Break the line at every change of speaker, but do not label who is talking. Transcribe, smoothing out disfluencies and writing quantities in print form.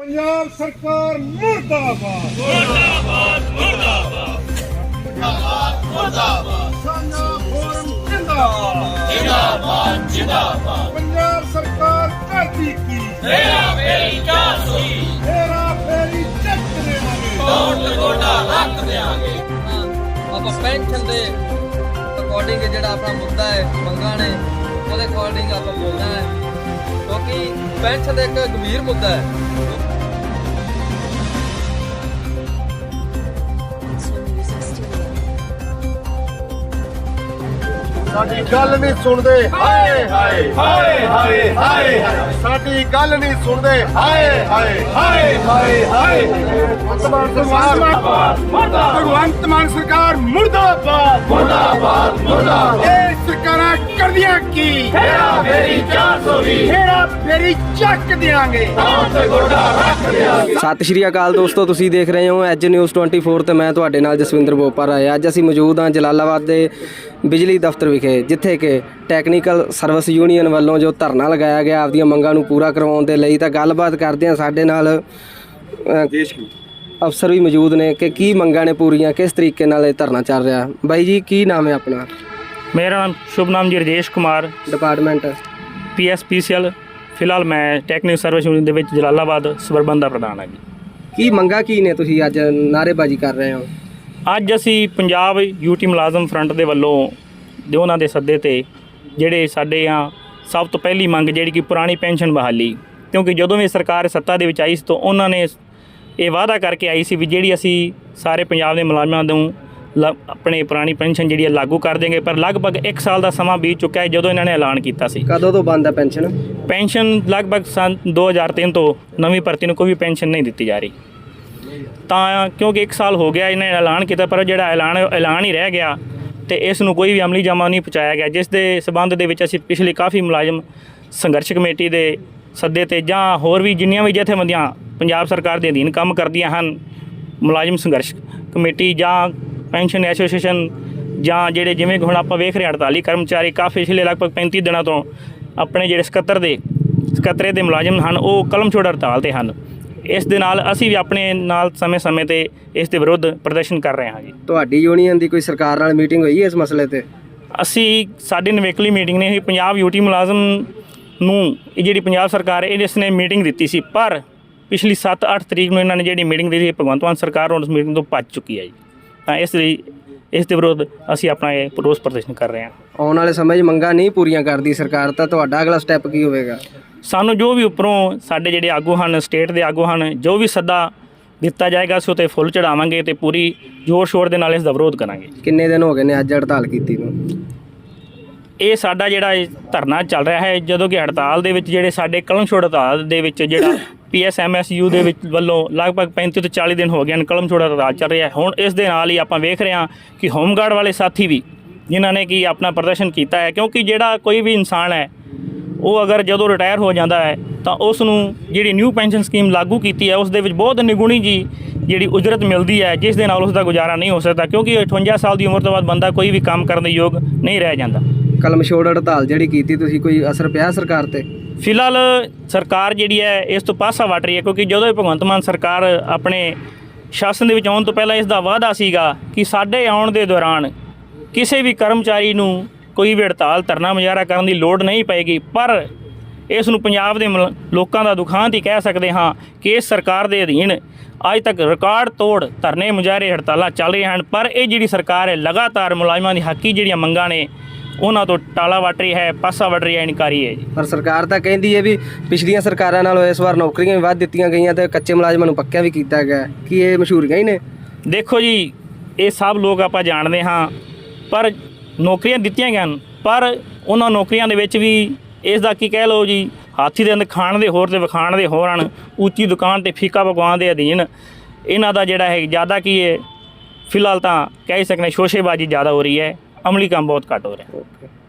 पंजाब सरकार मुर्दाबाद मुर्दाबाद मुर्दाबाद मुर्दाबाद मुर्दाबाद सान्या फोरम जिंदाबाद जिंदाबाद जिंदाबाद पंजाब सरकार करती की हेरा फेरी चेक देवांगे वोट गोटा रख देंगे
ਆਪਾਂ ਪੈਨਸ਼ਨ ਦੇ ਅਕੋਰਡਿੰਗ ਜਿਹੜਾ ਆਪਣਾ ਮੁੱਦਾ ਹੈ ਮੰਗਾਂ ਨੇ ਉਹਦੇ ਅਕੋਰਡਿੰਗ ਆਪਾਂ ਬੋਲਣਾ ਹੈ ਕਿਉਂਕਿ ਪੈਨਸ਼ਨ ਦਾ ਇੱਕ ਗੰਭੀਰ ਮੁੱਦਾ ਹੈ।
ਸਾਡੀ ਗੱਲ ਨਹੀਂ ਸੁਣਦੇ ਹਾਏ ਹਾਏ ਹਾਏ ਹਾਏ ਹਾਏ ਸਾਡੀ ਗੱਲ ਨਹੀਂ ਸੁਣਦੇ ਹਾਏ ਹਾਏ ਹਾਏ ਹਾਏ ਹਾਏ ਭਗਵੰਤ ਮਾਨ ਸਰਕਾਰ ਮੁਰਦਾਬਾਦ ਮੁਰਦਾਬਾਦ ਮੁਰਦਾਬਾਦ ਇਹ ਸਰਕਾਰਾਂ ਕਰਦੀਆਂ ਕੀ ਹੇਰਾ ਫੇਰੀ 420 ਹੇਰਾ ਫੇਰੀ ਚੱਕ ਦਿਆਂਗੇ ਤੇ ਗੋਡਾ ਰੱਖ ਦਿਆਂਗੇ।
ਸਤਿ ਸ਼੍ਰੀ ਅਕਾਲ ਦੋਸਤੋ, ਤੁਸੀਂ ਦੇਖ ਰਹੇ ਹੋ ਐਜ ਨਿਊਜ਼ 24 ਤੇ ਮੈਂ ਤੁਹਾਡੇ ਨਾਲ ਜਸਵਿੰਦਰ ਬੋਪਾ ਰਾਏ। ਅੱਜ ਅਸੀਂ ਮੌਜੂਦ ਹਾਂ ਜਲਾਲਾਬਾਦ ਦੇ ਬਿਜਲੀ ਦਫ਼ਤਰ ਵਿਖੇ, ਜਿੱਥੇ ਕਿ ਟੈਕਨੀਕਲ ਸਰਵਿਸ ਯੂਨੀਅਨ ਵੱਲੋਂ ਜੋ ਧਰਨਾ ਲਗਾਇਆ ਗਿਆ ਆਪਦੀਆਂ ਮੰਗਾਂ ਨੂੰ ਪੂਰਾ ਕਰਵਾਉਣ ਦੇ ਲਈ। ਤਾਂ ਗੱਲਬਾਤ ਕਰਦੇ ਹਾਂ, ਸਾਡੇ ਨਾਲ ਅਫਸਰ ਵੀ ਮੌਜੂਦ ਨੇ ਕਿ ਕੀ ਮੰਗਾਂ ਨੇ ਪੂਰੀਆਂ, ਕਿਸ ਤਰੀਕੇ ਨਾਲ ਇਹ ਧਰਨਾ ਚੱਲ ਰਿਹਾ। ਬਾਈ ਜੀ, ਕੀ ਨਾਮ ਹੈ ਆਪਣਾ?
ਮੇਰਾ ਨਾਮ ਸ਼ੁਭ ਨਾਮ ਜੀ ਰਜੇਸ਼ ਕੁਮਾਰ,
ਡਿਪਾਰਟਮੈਂਟ
PSPCL। ਫਿਲਹਾਲ ਮੈਂ ਟੈਕਨੀਕਲ ਸਰਵਿਸ ਯੂਨੀਅਨ ਦੇ ਵਿੱਚ ਜਲਾਲਾਬਾਦ ਸਬਰਬਨ ਦਾ ਪ੍ਰਧਾਨ ਹਾਂ ਜੀ। ਕੀ
ਮੰਗਾਂ ਕੀ ਨੇ, ਤੁਸੀਂ ਅੱਜ ਨਾਅਰੇਬਾਜ਼ੀ ਕਰ ਰਹੇ ਹੋ?
ਅੱਜ ਅਸੀਂ ਪੰਜਾਬ UT ਮੁਲਾਜ਼ਮ ਫਰੰਟ ਦੇ ਵੱਲੋਂ ਉਹਨਾਂ ਦੇ ਸੱਦੇ ਤੇ ਜਿਹੜੇ ਸਾਡੇ ਆ ਸਭ ਤੋਂ ਪਹਿਲੀ ਮੰਗ ਜਿਹੜੀ ਕਿ ਪੁਰਾਣੀ ਪੈਨਸ਼ਨ ਬਹਾਲੀ, ਕਿਉਂਕਿ ਜਦੋਂ ਵੀ ਸਰਕਾਰ ਸੱਤਾ ਦੇ ਵਿੱਚ ਆਈ ਸੀ ਤਾਂ ਉਹਨਾਂ ਨੇ ਇਹ ਵਾਅਦਾ ਕਰਕੇ ਆਈ ਸੀ ਵੀ ਜਿਹੜੀ ਅਸੀਂ ਸਾਰੇ ਪੰਜਾਬ ਦੇ ਮੁਲਾਜ਼ਮਾਂ ਨੂੰ ਆਪਣੇ ਪੁਰਾਣੀ ਪੈਨਸ਼ਨ ਜਿਹੜੀ ਲਾਗੂ ਕਰ ਦੇਂਗੇ, ਪਰ ਲਗਭਗ 1 ਸਾਲ ਦਾ ਸਮਾਂ ਬੀਤ ਚੁੱਕਾ ਹੈ ਜਦੋਂ ਇਹਨਾਂ ਨੇ ਐਲਾਨ ਕੀਤਾ ਸੀ।
ਕਦੋਂ ਤੋਂ ਬੰਦ ਹੈ ਪੈਨਸ਼ਨ?
ਪੈਨਸ਼ਨ ਲਗਭਗ ਸੰਨ 2003 ਤੋਂ ਨਵੀਂ ਭਰਤੀ ਨੂੰ ਕੋਈ ਵੀ ਪੈਨਸ਼ਨ ਨਹੀਂ ਦਿੱਤੀ ਜਾ ਰਹੀ। ਤਾਂ ਕਿਉਂਕਿ 1 ਸਾਲ ਹੋ ਗਿਆ ਇਹਨਾਂ ਨੇ ਐਲਾਨ ਕੀਤਾ, ਪਰ ਜਿਹੜਾ ਐਲਾਨ ਹੀ ਰਹਿ ਗਿਆ ਤੇ ਇਸ ਨੂੰ ਕੋਈ ਵੀ ਅਮਲੀ ਜਾਮਾ ਨਹੀਂ ਪਹੁੰਚਾਇਆ ਗਿਆ, ਜਿਸ ਦੇ ਸਬੰਧ ਦੇ ਵਿੱਚ ਅਸੀਂ ਪਿਛਲੇ ਕਾਫੀ ਮੁਲਾਜ਼ਮ ਸੰਘਰਸ਼ ਕਮੇਟੀ ਦੇ ਸੱਦੇ ਤੇ ਜਾਂ ਹੋਰ ਵੀ ਜਿੰਨੀਆਂ ਵੀ ਜਥੇਬੰਦੀਆਂ ਪੰਜਾਬ ਸਰਕਾਰ ਦੇ ਅਧੀਨ ਕੰਮ ਕਰਦੀਆਂ ਹਨ, ਮੁਲਾਜ਼ਮ ਸੰਘਰਸ਼ ਕਮੇਟੀ ਜਾਂ ਪੈਨਸ਼ਨ ਐਸੋਸੀਏਸ਼ਨ ਜਾਂ ਜਿਹੜੇ ਜਿਵੇਂ ਹੁਣ ਆਪਾਂ ਵੇਖ ਰਹੇ 48 ਕਰਮਚਾਰੀ ਕਾਫੀ ਪਿਛਲੇ ਲਗਭਗ 35 ਦਿਨਾਂ ਤੋਂ ਆਪਣੇ ਜਿਹੜੇ ਸਕੱਤਰੇ ਦੇ ਮੁਲਾਜ਼ਮ ਹਨ ਉਹ ਕਲਮ ਛੋੜ ਹੜਤਾਲ 'ਤੇ ਹਨ। ਇਸ ਦੇ ਨਾਲ ਅਸੀਂ ਵੀ ਆਪਣੇ ਨਾਲ ਸਮੇਂ-ਸਮੇਂ 'ਤੇ ਇਸ ਦੇ ਵਿਰੁੱਧ ਪ੍ਰਦਰਸ਼ਨ ਕਰ ਰਹੇ ਹਾਂ ਜੀ।
ਤੁਹਾਡੀ ਯੂਨੀਅਨ ਦੀ ਕੋਈ ਸਰਕਾਰ ਨਾਲ ਮੀਟਿੰਗ ਹੋਈ ਹੈ ਇਸ ਮਸਲੇ ਤੇ?
ਸਾਡੀ ਨਵੇਕਲੀ ਮੀਟਿੰਗ ਨੇ ਪੰਜਾਬ UT ਮੁਲਾਜ਼ਮ ਨੂੰ ਇਹ ਜਿਹੜੀ ਪੰਜਾਬ ਸਰਕਾਰ ਇਸ ਨੇ ਮੀਟਿੰਗ ਦਿੱਤੀ ਸੀ, ਪਰ ਪਿਛਲੀ 7-8 ਤਰੀਕ ਨੂੰ ਇਹਨਾਂ ਨੇ ਜਿਹੜੀ ਮੀਟਿੰਗ ਦਿੱਤੀ ਸੀ ਭਗਵੰਤ ਮਾਨ ਸਰਕਾਰ ਉਸ ਮੀਟਿੰਗ ਤੋਂ ਭੱਜ ਚੁੱਕੀ ਹੈ ਜੀ। ਤਾਂ ਇਸ ਲਈ ਇਸ ਦੇ ਵਿਰੁੱਧ ਅਸੀਂ ਆਪਣਾ ਇਹ ਰੋਸ ਪ੍ਰਦਰਸ਼ਨ ਕਰ ਰਹੇ ਹਾਂ।
ਆਉਣ ਵਾਲੇ ਸਮੇਂ 'ਚ ਮੰਗਾਂ ਨਹੀਂ ਪੂਰੀਆਂ ਕਰਦੀ ਸਰਕਾਰ ਤਾਂ ਤੁਹਾਡਾ ਅਗਲਾ ਸਟੈਪ ਕੀ ਹੋਵੇਗਾ?
ਸਾਨੂੰ ਜੋ ਵੀ ਉੱਪਰੋਂ ਸਾਡੇ ਜਿਹੜੇ ਆਗੂ ਹਨ, ਸਟੇਟ ਦੇ ਆਗੂ ਹਨ, ਜੋ ਵੀ ਸੱਦਾ ਦਿੱਤਾ ਜਾਏਗਾ ਅਸੀਂ ਉੱਤੇ ਫੁੱਲ ਚੜਾਵਾਂਗੇ ਤੇ ਪੂਰੀ ਜ਼ੋਰ ਸ਼ੋਰ ਦੇ ਨਾਲ ਇਸ ਦਾ ਵਿਰੋਧ ਕਰਾਂਗੇ।
ਕਿੰਨੇ ਦਿਨ ਹੋ ਗਏ ਨੇ ਅੱਜ ਹੜਤਾਲ ਕੀਤੀ ਨੂੰ?
ਇਹ ਸਾਡਾ ਜਿਹੜਾ ਧਰਨਾ ਚੱਲ ਰਿਹਾ ਹੈ, ਜਦੋਂ ਕਿ ਹੜਤਾਲ ਦੇ ਵਿੱਚ ਜਿਹੜੇ ਸਾਡੇ ਕਲਮ ਛੋੜ ਹੜਤਾਲ ਦੇ ਵਿੱਚ ਜਿਹੜਾ PSMSU ਦੇ ਵਿੱਚ ਵੱਲੋਂ ਲਗਭਗ 35 ਤੋਂ 40 ਦਿਨ ਹੋ ਗਏ ਹਨ ਕਲਮ ਛੋੜ ਹੜਤਾਲ ਚੱਲ ਰਿਹਾ ਹੈ। ਹੁਣ ਇਸ ਦੇ ਨਾਲ ਹੀ ਆਪਾਂ ਵੇਖ ਰਹੇ ਹਾਂ ਕਿ ਹੋਮਗਾਰਡ ਵਾਲੇ ਸਾਥੀ ਵੀ ਜਿਨ੍ਹਾਂ ਨੇ ਕਿ ਆਪਣਾ ਪ੍ਰਦਰਸ਼ਨ ਕੀਤਾ ਹੈ, ਕਿਉਂਕਿ ਜਿਹੜਾ ਕੋਈ ਵੀ ਇਨਸਾਨ ਹੈ ਉਹ ਅਗਰ ਜਦੋਂ ਰਿਟਾਇਰ ਹੋ ਜਾਂਦਾ ਹੈ ਤਾਂ ਉਸ ਨੂੰ ਜਿਹੜੀ ਨਿਊ ਪੈਨਸ਼ਨ ਸਕੀਮ ਲਾਗੂ ਕੀਤੀ ਹੈ ਉਸ ਦੇ ਵਿੱਚ ਬਹੁਤ ਨਿਗੁਣੀ ਜੀ ਜਿਹੜੀ ਉਜਰਤ ਮਿਲਦੀ ਹੈ, ਜਿਸ ਦੇ ਨਾਲ ਉਸ ਦਾ ਗੁਜ਼ਾਰਾ ਨਹੀਂ ਹੋ ਸਕਦਾ, ਕਿਉਂਕਿ 58 ਸਾਲ ਦੀ ਉਮਰ ਤੋਂ ਬਾਅਦ ਬੰਦਾ ਕੋਈ ਵੀ ਕੰਮ ਕਰਨ ਦੇ ਯੋਗ ਨਹੀਂ ਰਹਿ ਜਾਂਦਾ।
ਕਲਮ ਛੋੜ ਹੜਤਾਲ ਜਿਹੜੀ ਕੀਤੀ ਤੁਸੀਂ, ਕੋਈ ਅਸਰ ਪਿਆ ਸਰਕਾਰ ਤੇ?
ਫਿਲਹਾਲ ਸਰਕਾਰ ਜਿਹੜੀ ਹੈ ਇਸ ਤੋਂ ਪਾਸਾ ਵੱਟ ਰਹੀ ਹੈ, ਕਿਉਂਕਿ ਜਦੋਂ ਇਹ ਭਗਵੰਤ ਮਾਨ ਸਰਕਾਰ ਆਪਣੇ ਸ਼ਾਸਨ ਦੇ ਵਿੱਚ ਆਉਣ ਤੋਂ ਪਹਿਲਾਂ ਇਸ ਦਾ ਵਾਅਦਾ ਸੀਗਾ ਕਿ ਸਾਡੇ ਆਉਣ ਦੇ ਦੌਰਾਨ ਕਿਸੇ ਵੀ ਕਰਮਚਾਰੀ ਨੂੰ ਕੋਈ ਵੀ ਹੜਤਾਲ ਧਰਨਾ ਮੁਜ਼ਾਹਰਾ ਕਰਨ ਦੀ ਲੋੜ ਨਹੀਂ ਪਏਗੀ। ਪਰ ਇਸ ਨੂੰ ਪੰਜਾਬ ਦੇ ਲੋਕਾਂ ਦਾ ਦੁਖਾਂਤ ਹੀ ਕਹਿ ਸਕਦੇ ਹਾਂ ਕਿ ਇਸ ਸਰਕਾਰ ਦੇ ਅਧੀਨ ਅੱਜ ਤੱਕ ਰਿਕਾਰਡ ਤੋੜ ਧਰਨੇ ਮੁਜ਼ਾਹਰੇ ਹੜਤਾਲਾਂ ਚੱਲ ਰਹੀਆਂ ਹਨ, ਪਰ ਇਹ ਜਿਹੜੀ ਸਰਕਾਰ ਹੈ ਲਗਾਤਾਰ ਮੁਲਾਜ਼ਮਾਂ ਦੀ ਹੱਕੀ ਜਿਹੜੀਆਂ ਮੰਗਾਂ ਨੇ ਉਹਨਾਂ ਤੋਂ ਟਾਲਾ ਵੱਟ ਰਹੀ ਹੈ, ਪਾਸਾ ਵੱਟ ਰਹੀ ਹੈ, ਇਨਕਾਰੀ ਹੈ ਜੀ।
ਪਰ ਸਰਕਾਰ ਤਾਂ ਕਹਿੰਦੀ ਹੈ ਵੀ ਪਿਛਲੀਆਂ ਸਰਕਾਰਾਂ ਨਾਲੋਂ ਇਸ ਵਾਰ ਨੌਕਰੀਆਂ ਵੀ ਵੱਧ ਦਿੱਤੀਆਂ ਗਈਆਂ ਤੇ ਕੱਚੇ ਮੁਲਾਜ਼ਮਾਂ ਨੂੰ ਪੱਕਿਆਂ ਵੀ ਕੀਤਾ ਗਿਆ। ਕੀ ਇਹ ਮਸ਼ਹੂਰੀਆਂ ਹੀ ਨੇ? ਦੇਖੋ
ਜੀ, ਇਹ ਸਭ ਲੋਕ ਆਪਾਂ ਜਾਣਦੇ ਹਾਂ, ਪਰ ਨੌਕਰੀਆਂ ਦਿੱਤੀਆਂ ਗਈਆਂ ਪਰ ਉਹਨਾਂ ਨੌਕਰੀਆਂ ਦੇ ਵਿੱਚ ਵੀ ਇਸ ਦਾ ਕੀ ਕਹਿ ਲਓ ਜੀ, ਹਾਥੀ ਦੇ ਅੰਦਰ ਖਾਣ ਦੇ ਹੋਰ ਤੇ ਵਿਖਾਣ ਦੇ ਹੋਰ ਹਨ। ਉੱਚੀ ਦੁਕਾਨ ਤੇ ਫੀਕਾ ਪਕਵਾਨ ਦੇ ਅਧੀਨ ਇਹਨਾਂ ਦਾ ਜਿਹੜਾ ਹੈ ਜ਼ਿਆਦਾ ਕੀ ਹੈ, ਫਿਲਹਾਲ ਤਾਂ ਕਹਿ ਸਕਦੇ ਸ਼ੋਸ਼ੇਬਾਜ਼ੀ ਜ਼ਿਆਦਾ ਹੋ ਰਹੀ ਹੈ, ਅਮਲੀ ਕੰਮ ਬਹੁਤ ਘੱਟ ਹੋ ਰਿਹਾ।